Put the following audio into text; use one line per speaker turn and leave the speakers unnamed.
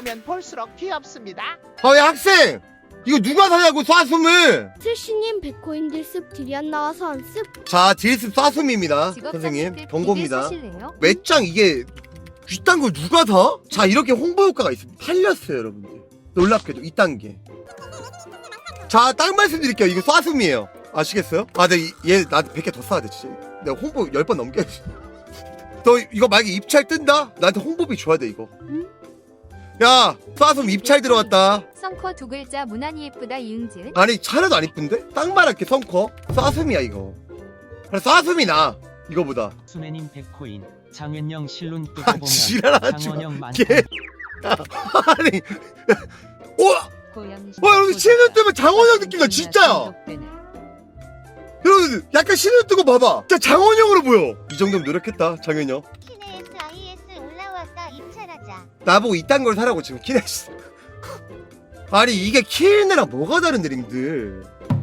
보면 볼수록 귀엽습니다.
왜 학생! 이거 누가 사냐고 쏴숨을!
슬씨님 100코인들 습 딜이 안 나와서 안 습.
자 딜습 쏴숨입니다 선생님 경고입니다. 맷장 이게 이딴 걸 누가 사? 자 이렇게 홍보 효과가 있습니다. 팔렸어요 여러분들. 놀랍게도 이딴 게. 자 딱 말씀드릴게요. 이거 쏴숨이에요. 아시겠어요? 아 근데 얘 나한테 100개 더 쏴야 돼 진짜. 내가 홍보 10번 넘겨야지. 너 이거 만약에 입찰 뜬다? 나한테 홍보비 줘야 돼 이거. 야 쏴숨 입찰 들어왔다.
성커 두 글자 무난히 예쁘다 이응지은.
아니 하나도 안 이쁜데? 딱 말할게 성커 쏴숨이야 이거. 그래 쏴숨이 나 이거보다.
순애님 100코인 장현영 실눈 뜨고
아
보면
지랄하지
장원영
마.
많다.
아니 여러분 신을 뜨면 장원영 느낌나 진짜야. 여러분 약간 신을 뜨고 봐봐. 진짜 장원영으로 보여. 이 정도면 노력했다 장현영.
키네스 IS 올라왔다 입찰하자.
나보고 이딴 걸 사라고 지금 키네스. 아니 이게 키네랑 뭐가 다른데 링들.